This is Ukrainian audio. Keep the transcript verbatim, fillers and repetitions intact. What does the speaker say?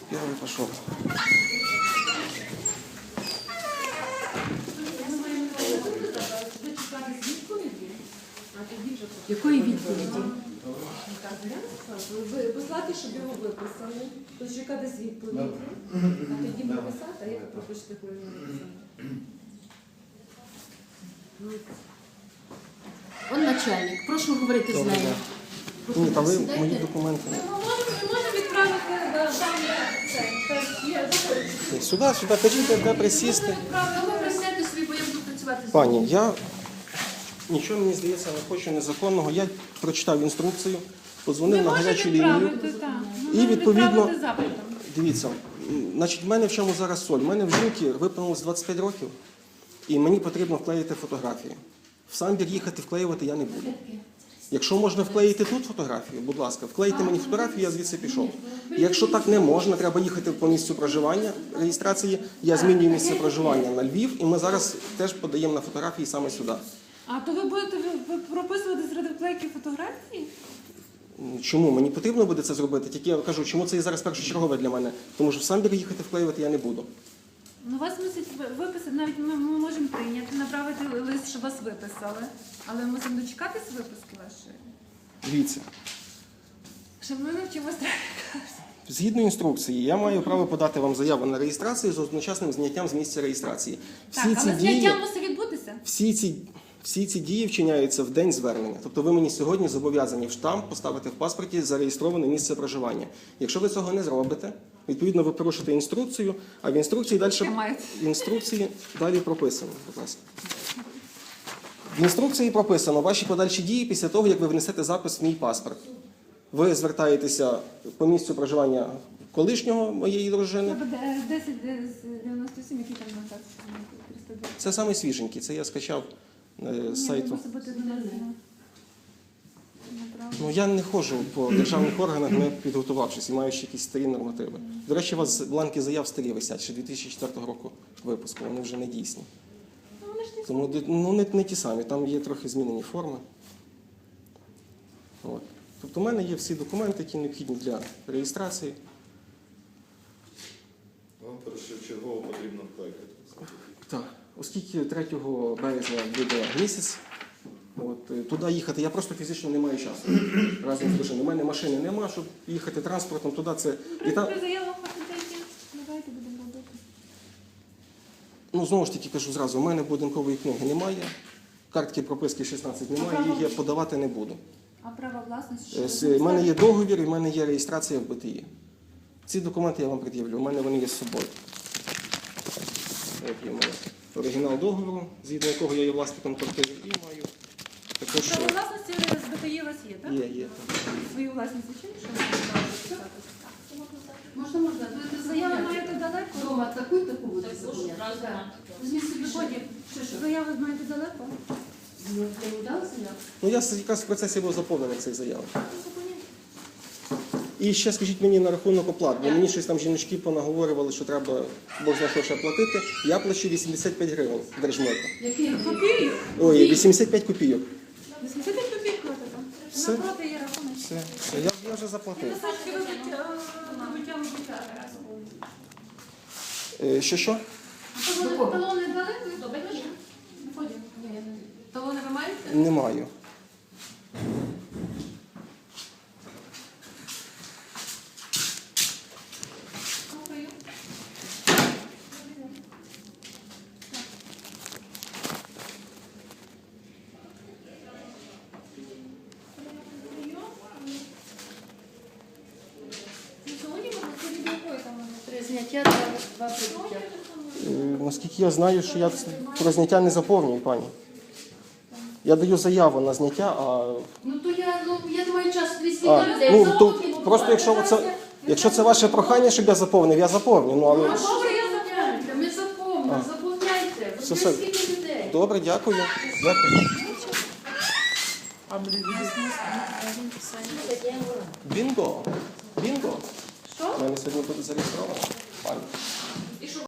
Первый пошел. Якої відповіді? Ви послати, щоб його виписали, то чекати з відповіді, а тоді прописати, а як ви пропишете, коли не написали? Он начальник, прошу говорити з нею. Ні, та ви Сідайте. мої документи. Ми можемо відправити дані це є заходить. Сюди, сюди, кажіть, де присісти. Ну, ви присядьте собі, бо я буду працювати з Пані, вами. я нічого, мені здається, не хочу незаконного. Я прочитав інструкцію, подзвонив на гарячу лінію. І відповідно, дивіться, м, значить, в мене в чому зараз соль? У мене в жінки виповнилось двадцять п'ять років, і мені потрібно вклеїти фотографії. В самбір їхати вклеювати я не буду. Якщо можна вклеїти тут фотографію, будь ласка, вклейте мені фотографію, я звідси пішов. Якщо так не можна, треба їхати по місцю проживання реєстрації, я змінюю місце проживання на Львів, і ми зараз теж подаємо на фотографії саме сюди. А то ви будете ви- ви прописувати серед вклейки фотографії? Чому? Мені потрібно буде це зробити, тільки я кажу, чому це є зараз першочергове для мене, тому що в самбір їхати вклеювати я не буду. Ну, вас мусять ви- виписати, навіть ми, ми можемо прийняти, направити лист, щоб вас виписали. Але ми мусимо дочекатись виписки вашої. Дивіться. Щоб ми навчимося трохи. Згідно інструкції, я маю право подати вам заяву на реєстрацію з одночасним зняттям з місця реєстрації. Всі Так, ці але дії, зняття мусить відбутися. всі ці, всі ці дії вчиняються в день звернення. Тобто ви мені сьогодні зобов'язані в штамп поставити в паспорті зареєстроване місце проживання. Якщо ви цього не зробите, відповідно ви порушите інструкцію, а в інструкції далі, Маєте. в інструкції далі прописано. Будь ласка. В інструкції прописано ваші подальші дії після того, як ви внесете запис в мій паспорт. Ви звертаєтеся по місцю проживання колишнього моєї дружини. Це десять дев'яносто сім, який там наказ? триста два. Це саме свіженький, це я скачав е, з сайту. Мусить бути донесено. Ну, я не ходжу по державних органах, не підготувавшись і маючи якісь старі нормативи. До речі, у вас бланки заяв старі висять, ще дві тисячі четвертого року випуску, вони вже не дійсні. Ну, вони ж не Тому ну, не, не ті самі, там є трохи змінені форми. От. Тобто в мене є всі документи, які необхідні для реєстрації. Вам першочергово потрібно вклейкати. Так, оскільки третього березня буде місяць, от, е, туди їхати я просто фізично не маю часу. Разом з дружиною. У мене машини нема, щоб їхати транспортом туди. Це... І там, При заявах факультетів. Давайте будемо робити. ну, знову ж таки кажу зразу, у мене будинкової книги немає, картки прописки шістнадцять немає, їх я подавати не буду. А право власності? Е, що з- ви У мене є ставите? договір і в мене є реєстрація в Б Т І. Ці документи я вам пред'явлю, у мене вони є з собою. От є моє оригінал договору, згідно якого я є власником квартири, і маю також Право е, власності з Б Т І у вас є, так? є, є. Свою власність зачем? Що ви можете записати? Можна, можна. Ви це Заяву заяву маєте далеко? Дома таку і таку буде заповняти. Візьміть собі Потім. Що, що? Заяву маєте далеко? Ну, я не дала заяву? Ну, я с- якраз в процесі був заповнений цей заяв. І ще скажіть мені на рахунок оплат, бо мені щось там жіночки понаговорювали, що треба Бог знає, що ще платити. Я плачу вісімдесят п'ять гривень держмиту. Який? Копію? Ой, вісімдесят п'ять копійок. вісімдесят п'ять копійок платите? Все. Напроти є рахунок. Все, все, я, я вже заплатив. Носочки вибиття, вибиття, вибиття. Е, що, що? Талони талони дали? Ви Потім. Талони ви маєте? Не маю. Слухаю. Сьогодні ми це від якої там вони? Три зняття, два, два прибуття. Е, наскільки я знаю, що я про зняття не заповнюю, пані. Я даю заяву на зняття, а Ну то я, ну, я не маю часу двісті А, людей. ну, заповнити, то бо просто якщо це, якщо це ваше прохання, щоб я заповнив, я заповню. Ну, але... Ну, добре, я заповняйте, ми заповнимо, заповняйте. Бо Все, це все. скільки людей. Добре, дякую. Дякую. Бінго. Бінго. Що? У мене сьогодні буде зареєстровано. Пані.